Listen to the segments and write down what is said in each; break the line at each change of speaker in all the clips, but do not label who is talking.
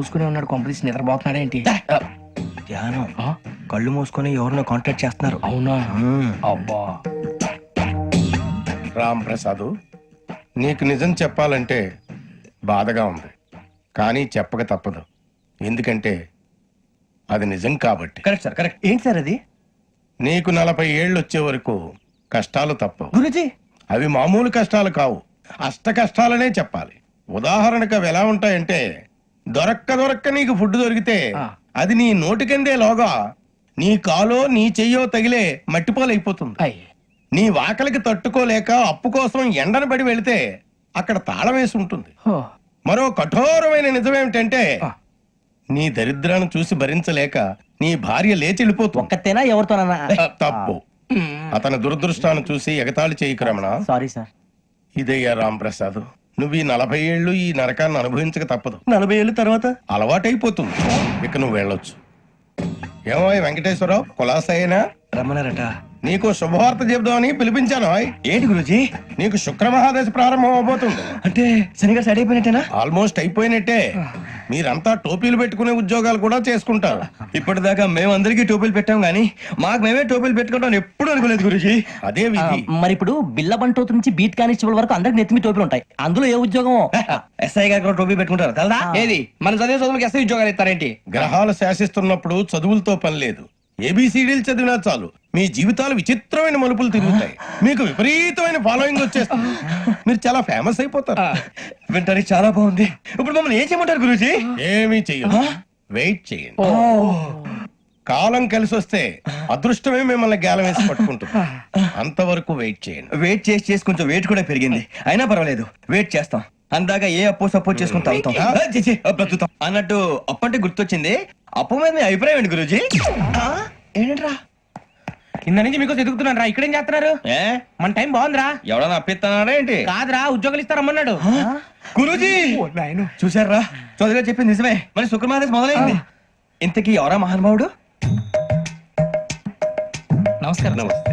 మూసుకునే ఉన్నాడు, కొంపదీసి నిద్రపోతున్నాడు ఏంటి?
ధ్యానం. కళ్ళు మూసుకొని ఎవరినో కాంటాక్ట్ చేస్తున్నారు.
అవునా? అబ్బా.
రామ్ ప్రసాద్, నీకు నిజం చెప్పాలంటే బాధగా ఉంది, కానీ చెప్పక తప్పదు. ఎందుకంటే అది నిజం కాబట్టి.
Correct sir, correct. ఏంటి సార్ అది?
నీకు 40 ఏళ్ళు వచ్చే వరకు కష్టాలు తప్పవు
గురుజీ.
అవి మామూలు కష్టాలు కావు, అష్ట కష్టాలనే చెప్పాలి. ఉదాహరణకు అవి ఎలా ఉంటాయంటే, దొరక్క నీకు ఫుడ్ దొరికితే అది నీ నోటికందే లోగా నీ కాలో నీ చెయ్యో తగిలే మట్టిపాలైపోతుంది. నీ వాకలికి తట్టుకోలేక అప్పు కోసం ఎండను పడి వెళితే అక్కడ తాళం వేసి ఉంటుంది. మరో కఠోరమైన నిజమేమిటంటే, నీ దరిద్రాన్ని చూసి భరించలేక నీ భార్య లేచి వెళ్ళిపోతుంది.
ఒక్కతేనా ఎవరితోనన్నా?
తప్పు. అతని దురదృష్టాన్ని చూసి ఎగతాళి చేయకు రమణ.
Sorry sir.
ఇదయ్యా రాంప్రసాద్, నువ్వు ఈ 40 ఏళ్ళు ఈ నరకాన్ని అనుభవించక తప్పదు.
40 ఏళ్ళ తర్వాత
అలవాటైపోతుంది. ఇక నువ్వు వెళ్ళొచ్చు. ఏమో వెంకటేశ్వరరావు, కులాసైనా
రమ్మన్నారట.
నీకు శుభవార్త చెబుదామని పిలిపించాను.
ఏంటి గురుజీ?
నీకు శుక్ర మహాదశ ప్రారంభం అవబోతుంది.
అంటే శనిగా సెట్ అయిపోయినట్టేనా?
ఆల్మోస్ట్ అయిపోయినట్టే. మీరంతా టోపీలు పెట్టుకునే ఉద్యోగాలు కూడా చేసుకుంటారు.
ఇప్పటిదాకా మేమందరికీ టోపీలు పెట్టాం గానీ మాకు మేమే టోపీలు పెట్టుకుంటాం ఎప్పుడు అనుకోలేదు గురుజీ.
అదే విధి.
మరి ఇప్పుడు బిల్ల బంటోతు నుంచి బీట్ కానిస్టేబుల్ వరకు అందరికి నెత్తిమి టోపీలు ఉంటాయి. అందులో ఏ ఉద్యోగం?
ఎస్ఐ గారు కూడా టోపీ పెట్టుకుంటారు తెలదా?
ఏది మన చదివే చదువులకు ఎస్ఐ ఉద్యోగాలు ఇస్తారేంటి?
గ్రహాలు శాసిస్తున్నప్పుడు చదువులతో పని లేదు. ఏబిసిడీలు చదివినా చాలు మీ జీవితాలు విచిత్రమైన మలుపులు తిరుగుతాయి. మీకు విపరీతమైన ఫాలోయింగ్ వచ్చేస్తుంది. మీరు చాలా ఫేమస్ అయిపోతారు.
వింటానికి చాలా బాగుంది. ఇప్పుడు మమ్మల్ని ఏం చేయమంటారు గురూజీ?
ఏమీ చెయ్యదు, వెయిట్ చేయండి. కాలం కలిసి వస్తే అదృష్టమే మిమ్మల్ని గేలం వేసి పట్టుకుంటుంది. అంతవరకు వెయిట్ చేయండి.
వెయిట్ చేసి కొంచెం వెయిట్ కూడా పెరిగింది. అయినా పర్వాలేదు, వెయిట్ చేస్తాం. అందాక ఏ అప్పు సపోర్ట్ చేసుకుని తాగుతాం, బ్రతుకుతాం అన్నట్టు. అప్పు అంటే గుర్తొచ్చింది. అప్పు మీద మీ అభిప్రాయం ఏంటి గురూజీ? ఏంటరా
కింద నుంచి మీకు ఎదుగుతున్నాను రా. ఇక్కడేం చేస్తున్నారు? మన టైం బాగుందిరా.
ఎవడన్నా అప్పిస్తున్నాడా ఏంటి?
కాదురా, ఉద్యోగాలు ఇస్తారమ్మన్నాడు
గురూజీ. చూసారా, చౌదరి గారు చెప్పింది నిజమే. మరి శుక్రమాదేశ్ మొదలైంది. ఇంతకీ ఎవరా మహానుభావుడు?
నమస్కారం.
నమస్తే.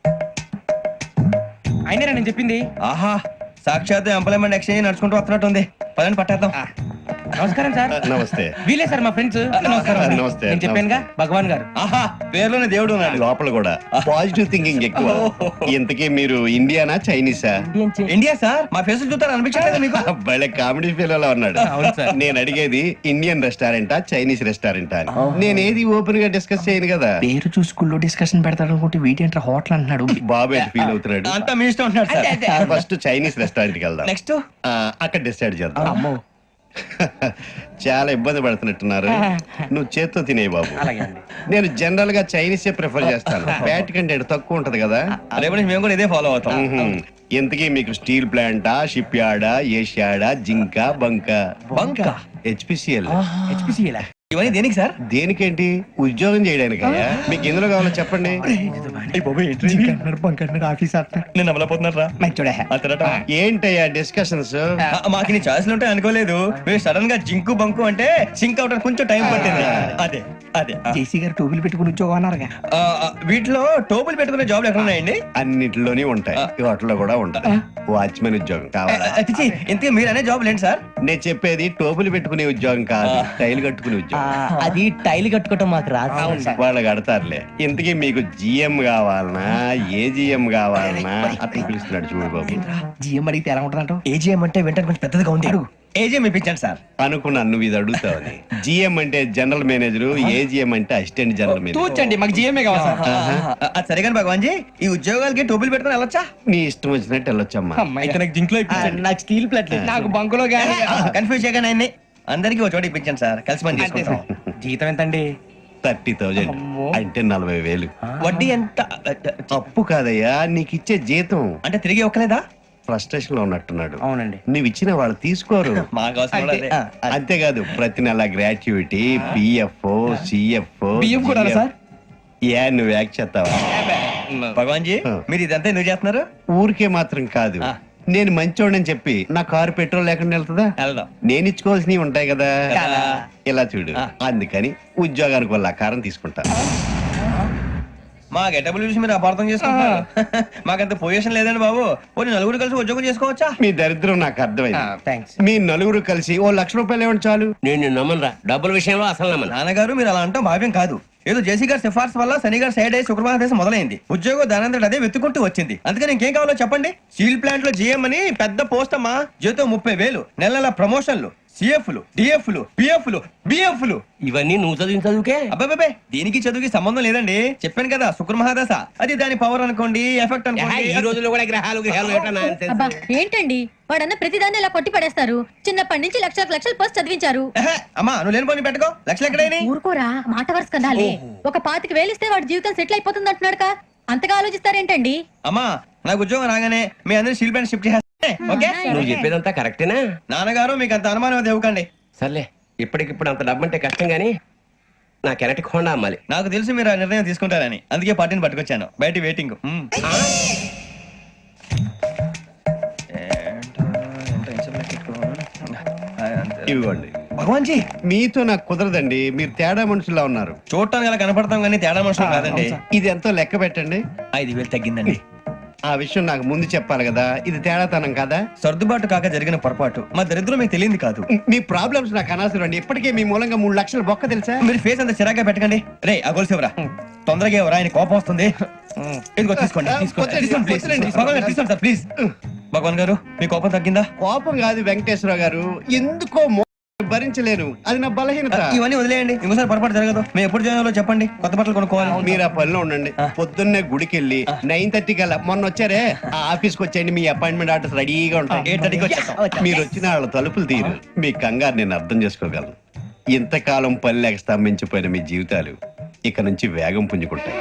అయినరా నేను చెప్పింది?
ఆహా, సాక్షాత్ ఎంప్లాయ్మెంట్ ఎక్స్చేంజ్ నడుచుకుంటూ వస్తున్నట్టు ఉంది. పదండి పట్టేద్దాం.
నమస్కారం సార్.
నమస్తే.
వీలే సార్ మా ఫ్రెండ్స్. నమస్కారం.
నమస్తే.
నేను చెప్పానుగా, భగవాన్ గారు.
ఆహా, పేర్లోనే దేవుడు ఉన్నాడు.
లోపల కూడా పాజిటివ్ థింకింగ్ ఎక్కువ. ఇంతకీ మీరు ఇండియానా చైనీసా?
India sir. మా ఫేస్ చూస్తారు అనిపించలేదు మీకు?
భలే కామెడీ ఫీల్ అలా ఉన్నాడు. నేను అడిగేది ఇండియన్ రెస్టారెంటా చైనీస్ రెస్టారెంటా అని. నేను ఏది ఓపెన్ గా డిస్కస్ చేయను కదా.
పేరు చూసుకుల్లో డిస్కషన్ పెడతాడు అనుకుంటే వీటేంట్రా హోటల్ అంటున్నాడు.
బాబు ఎట్ ఫీల్ అవుతున్నాడు.
అంతా మీ ఇష్టం ఉంటున్నాడు సార్.
ఫస్ట్ చైనీస్ రెస్టారెంట్ కి వెళ్దాం.
నెక్స్ట్
అక్కడ డిసైడ్ చేద్దాం. చాలా ఇబ్బంది పడుతున్నట్టున్నారు. నువ్వు చేత్తో తినే బాబు. నేను జనరల్ గా చైనీసే ప్రిఫర్ చేస్తాను. ఫ్యాట్ కంటెంట్ తక్కువ ఉంటది కదా.
రేపు నుంచి మేము కూడా ఇదే ఫాలో అవుతాం.
ఇంతకీ మీకు స్టీల్ ప్లాంటా, షిప్ యార్డా, ఏషియాడా, జింక, బంకా?
బంక,
హెచ్పిసిఎల్.
హెచ్పిసిఎల్
ఇవన్నీ దేనికి సార్?
దేనికేంటి? ఉద్యోగం చేయడానికి. మీకు ఎందులో కావాలో చెప్పండి.
నేను అమలపోతున్నారా?
ఏంటయ్యా డిస్కషన్స్?
మాకు నీ ఛాయిస్లు ఉంటాయి అనుకోలేదు. మీరు సడన్ గా జింకు బంకు అంటే సింక్ అవడానికి కొంచెం టైం పట్టింది. అదే అదే
జేసీ గారు టోపీలు పెట్టుకుని ఉద్యోగం అన్నారుగా.
వీటిలో టోపులు పెట్టుకునే జాబ్లు ఎక్కడ ఉన్నాయండి?
అన్నిటిలోనే ఉంటాయి, వాటిలో కూడా ఉంటాయి. వాచ్మెన్ ఉద్యోగం కావాలా?
ఇంతకీ మీరు అనే జాబ్ ఏంటి సార్?
నేను చెప్పేది టోపులు పెట్టుకునే ఉద్యోగం కాదు, టైల్ కట్టుకునే ఉద్యోగం.
అది టైల్ కట్టుకోవటం మాకు రాదు.
వాళ్ళు కడతారులే. ఇంతకీ మీకు జిఎం కావాలనా, ఏజిఎం కావాలనా? అతను పిలుస్తున్నాడు చూడు బాబు.
జిఎం అడిగితే ఎలా ఉంటుందంట?
ఏజీఎం అంటే వెంటనే కొంచెం పెద్దదిగా ఉంది. ఏజీఎం ఇప్పించండి సార్.
అనుకున్నాను నువ్వు ఇది అడుగుతావని. జిఎం అంటే జనరల్ మేనేజర్, ఏజిఎం అంటే అసిస్టెంట్ జనరల్ మేనేజర్.
తూచండి, మాకు జిఎంఏ కావాలి సార్.
అది సరే కానీ భగవాన్ జీ, ఈ ఉద్యోగాలకి టోపులు పెట్టుకుని వెళ్ళొచ్చా?
నీ ఇష్టం వచ్చినట్టు వెళ్ళొచ్చమ్మా.
అయితే నాకు జింక్ లో ఇప్పించండి.
నాకు స్టీల్ ప్లేట్
నాకు బంకులో గానీ.
కన్ఫ్యూజ్ చేయగానే ఆయన్ని అందరికీ ఒక చోట ఇప్పించండి సార్. కలిసి పని చేసుకుంటాం.
జీతం ఎంతండి?
30,000 అంటే 40,000.
వడ్డీ ఎంత?
అప్పు కాదయ్యా, నీకు ఇచ్చే జీతం.
అంటే తిరిగి ఒక్కలేదా?
ఫ్రస్ట్రేషన్ లో ఉన్నట్టున్నాడు.
అవునండి.
నువ్వు ఇచ్చిన వాళ్ళు తీసుకోరు.
మాకు అవసరం కూడా అదే.
అంతేకాదు ప్రతి నెల గ్రాట్యుటీ, పిఎఫ్, సిఎఫ్.
బియ్యం కూడా సార్?
ఏ నువ్వు యాక్ చేస్తావా?
భగవాన్ జీ, మీరు ఇదంతా ఎందుకు చేస్తున్నారు?
ఊరికే మాత్రం కాదు, నేను మంచోడని చెప్పి నా కారు పెట్రోల్ లేకుండా వెళ్తుందా?
వెళ్దాం.
నేను ఇచ్చుకోవాల్సినవి ఉంటాయి కదా.
కదా.
ఇలా చూడు, అందుకని ఉద్యోగానికి వాళ్ళ ఆకారం తీసుకుంటా.
మా గెటబుల్ చూసి మీరు అపార్థం చేసుకుంటున్నారు. మాకంత పొజిషన్ లేదండి బాబు. పోనీ నలుగురు కలిసి ఉద్యోగం చేసుకోవచ్చా?
మీ దరిద్రం నాకు అర్థమైంది.
థ్యాంక్స్.
మీ నలుగురు కలిసి ఓ ₹1,00,000 ఇవ్వండి చాలు.
నేను నమ్మనరా, డబ్బుల విషయంలో అసలు నమ్మను.
నాన్నగారు మీరు అలా అంటాం భావ్యం కాదు. ఏదో జేసీ గారి సిఫార్సు వల్ల శని గారు సైడ్ అయ్యి శుక్రవారం దేశం మొదలైంది. ఉద్యోగం దానంతటి అదే వెతుకుంటూ వచ్చింది. అందుకని ఇంకేం కావాలో చెప్పండి. స్టీల్ ప్లాంట్ లో జీఎం అని పెద్ద పోస్ట్ అమ్మా. జీతం 30,000, నెల నెల ప్రమోషన్లు, సిఎఫ్లు, డిఎఫ్లు, పిఎఫ్లు, బిఎఫ్లు.
ఇవన్నీ నువ్వు చదివిన చదువుకే.
అబ్బాబే దీనికి చదువుకి సంబంధం లేదండి. చెప్పాను కదా శుక్ర మహాదశ. అది దాని పవర్ అనుకోండి, ఎఫెక్ట్ అనుకోండి.
ఈ రోజుల్లో కూడా గ్రహాలు ఏటా nonsense.
అబ్బా ఏంటండి వాడన్న ప్రతిదాన్ని ఇలా కొట్టి పడేస్తారు. చిన్నప్పటి నుంచి లక్షలు పోస్ట్ చదివించారు.
ఎహె, అమ్మా నువ్వు లేని పోనీ పెట్టుకో. లక్షలు ఎక్కడైనా
ఊరుకోరా, మాట వరుస కదాలే. ఒక 25,000 ఇస్తే వాడి జీవితం సెటిల్ అయిపోతుంది అంటున్నాడు. అంతగా ఆలోచిస్తారేంటండి?
అమ్మా నాకు ఉద్యోగం రాగానే మీ అందరి స్టీల్ ప్లాంట్ షిఫ్ట్ చేస్తే ఓకే.
నువ్వు చెప్పేదంతా కరెక్టేనా?
నాన్నగారు మీకు అంత అనుమానం అది ఇవ్వకండి.
సర్లే, ఇప్పటికిప్పుడు అంత డబ్బు అంటే కష్టం గానీ నా కెనటిక్ హోండా అమ్మాలి.
నాకు తెలుసు మీరు ఆ నిర్ణయం తీసుకుంటారని, అందుకే పార్టీని పట్టుకొచ్చాను. బయట వెయిటింగ్.
ఇవ్వండి.
భగవాన్ జీ
మీతో నాకు కుదరదండి, మీరు తేడా మనుషులా ఉన్నారు.
చూడటానికి అలా కనపడతాం కానీ తేడా మనుషులు కాదండి.
ఇది ఎంతో లెక్క పెట్టండి.
5,000 తగ్గిందండి.
ఆ విషయం నాకు ముందు చెప్పాలి కదా, ఇది తేడాతనం కదా.
సర్దుబాటు కాక జరిగిన పొరపాటు. మా దరిద్రం మీకు తెలియంది కాదు.
మీ ప్రాబ్లమ్స్ నాకు అనవసరం అండి. ఇప్పటికే మీ మూలంగా 3 లక్షల బొక్క తెలుసా.
మీరు ఫేస్ అంత చిరాగ్గా పెట్టకండి. రే ఆ గొలుసు ఎవరా? తొందరగా ఎవరా? ఆయన కోపం వస్తుంది. ఇదిగో తీసుకోండి. తీసుకోండి ప్లీజ్. భగవాన్ గారు తీసుకోండి సార్ ప్లీజ్. భగవాన్ గారు మీ కోపం తగ్గిందా?
కోపం కాదు వెంకటేశ్వర గారు, ఎందుకో భరించలేను, అది నా బలహీనత.
ఇవన్నీ వదిలేయండి, ఇంకోసారి పొరపాటు జరగదు. మేము ఎప్పుడు జాయిన్ చెప్పండి, కొత్త బట్టలు కొనుక్కోవాలి.
మీరు ఆ పనిలో ఉండండి. పొద్దున్నే గుడికి వెళ్ళి 9:30 కల్లా, మొన్న వచ్చారే ఆ ఆఫీస్కి వచ్చేయండి. మీ అపాయింట్మెంట్ ఆర్డర్స్ రెడీగా ఉంటాయి.
8:30కి వచ్చేస్తాం.
మీరు వచ్చిన వాళ్ళ తలుపులు తీరు. మీ కంగారు నేను అర్థం చేసుకోగలను. ఇంతకాలం పని లేక స్తంభించిపోయిన మీ జీవితాలు ఇక నుంచి వేగం పుంజుకుంటాయి.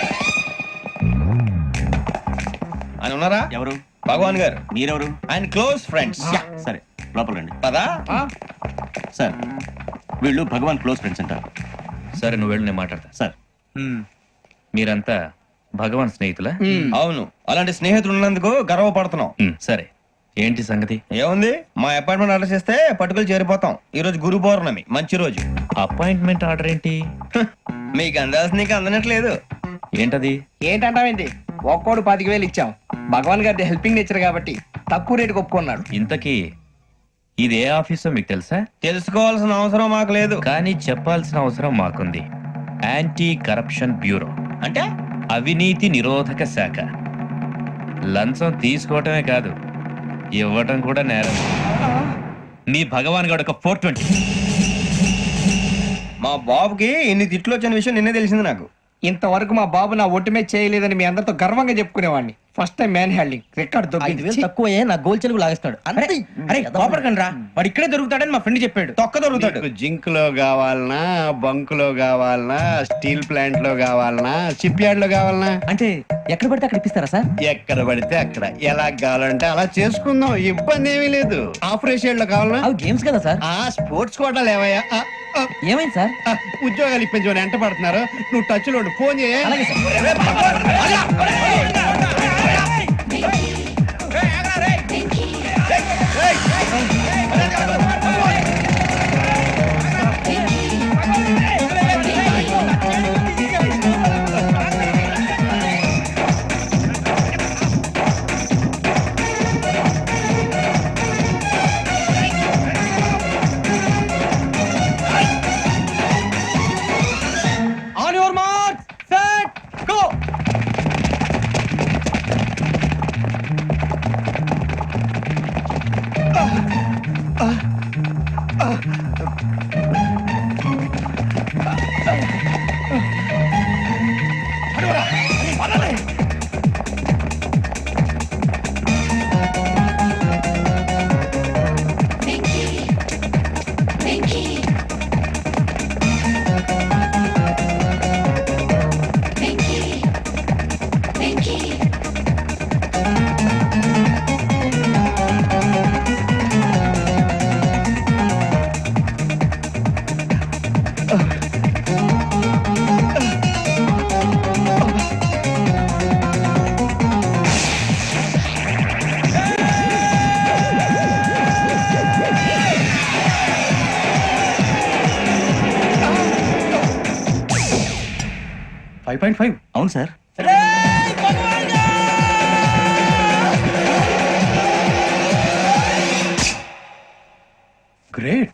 ఆయన ఉన్నారా?
ఎవరు?
భగవాన్ గారు.
మీరెవరు?
ఆయన క్లోజ్ ఫ్రెండ్స్.
సరే లోపల రండి.
పదా
సార్ వీళ్ళు భగవాన్ క్లోజ్ ఫ్రెండ్స్ అంటారు.
సరే నువ్వు వెళ్ళు, నేను మాట్లాడతా.
సార్
మీరంతా భగవాన్ స్నేహితులా?
అవును, అలాంటి స్నేహితులు ఉన్నందుకు గర్వపడుతున్నాం.
సరే ఏంటి సంగతి?
ఏముంది, మా అపాయింట్మెంట్ ఆర్డర్ చేస్తే పట్టుకులు చేరిపోతాం. ఈ రోజు గురు పౌర్ణమి, మంచి రోజు.
అపాయింట్మెంట్ ఆర్డర్ ఏంటి?
మీకు అందాల్సిన నీకు అందనట్లేదు.
ఏంటది?
ఏంటంటావేంటి? ఒక్కోడు 25,000 ఇచ్చాం. భగవాన్ గారి హెల్పింగ్ నేచర్ కాబట్టి తక్కువ రేటుకి ఒప్పుకున్నాడు.
ఇంతకీ ఇది ఏ ఆఫీసో మీకు తెలుసా?
తెలుసుకోవాల్సిన అవసరం మాకు లేదు.
కానీ చెప్పాల్సిన అవసరం మాకుంది. యాంటీ కరప్షన్ బ్యూరో
అంటే
అవినీతి నిరోధక శాఖ. లంచం తీసుకోవటమే కాదు, ఇవ్వటం కూడా నేరం. మీ భగవాన్ గారు ఒక 420.
మా బాబుకి ఇన్ని తిట్లు వచ్చిన విషయం నిన్నే తెలిసింది నాకు.
ఇంతవరకు మా బాబు నా ఒట్టుమే చేయలేదని మీ అందరితో గర్వంగా చెప్పుకునేవాడిని. First time man handing record
5,000 తక్కువ నా గోల్ చెలుగు లాగేస్తాడు.
అరే కోపడకండి రా, వాడు ఇక్కడే దొరుకుతాడని మా ఫ్రెండ్ చెప్పాడు. తొక్క దొరుకుతాడు.
జింక్ లో కావాలనా, బంక్ లో కావాలనా, స్టీల్ ప్లాంట్ లో కావాలనా, షిప్ యార్డ్ లో కావాలనా?
అంటే ఎక్కడ పడితే అక్కడ ఇప్పిస్తారా సార్?
ఎక్కడ పడితే అక్కడ, ఎలా కావాలంటే అలా చేసుకుందాం, ఇబ్బంది ఏమీ లేదు. ఆపరేషన్ లో కావాలనా?
అవి గేమ్స్ కదా సార్.
ఆ స్పోర్ట్స్ కోటాలు ఏవయ్యా?
ఏమైంది సార్?
ఉద్యోగాలు ఇప్పించమని ఎంట పడుతున్నారు. నువ్వు టచ్ లో ఫోన్ చేయ.
అలాగే sir.
On your mark set go.
5.5 అవును సార్.
గ్రేట్.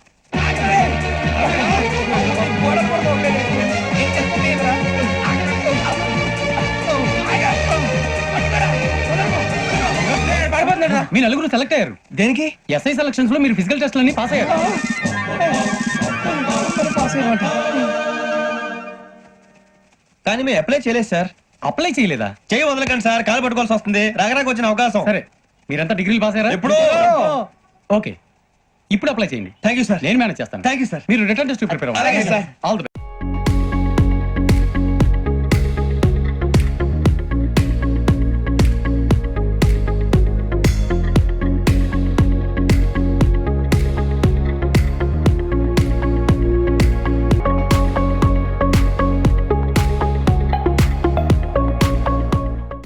మీ నలుగురు సెలెక్ట్ అయ్యారు.
దేనికి?
ఎస్ఐ సెలక్షన్స్ లో మీరు ఫిజికల్ టెస్ట్ అన్ని పాస్ అయ్యారు.
కానీ మేము అప్లై చేయలేదు సార్.
అప్లై చేయలేదా?
చేయి వదలకండి సార్, కాలు పట్టుకోవాల్సి వస్తుంది. రాగరాకు వచ్చిన అవకాశం.
సరే, మీరంతా డిగ్రీలు పాస్ అయ్యారా?
ఎప్పుడో.
ఓకే, ఇప్పుడు అప్లై చేయండి.
Thank you sir.
నేను మేనేజ్ చేస్తాను.
Thank you sir.
మీరు రిటర్న్ టెస్ట్ ప్రిపేర్
అలాగే సార్.
All the best.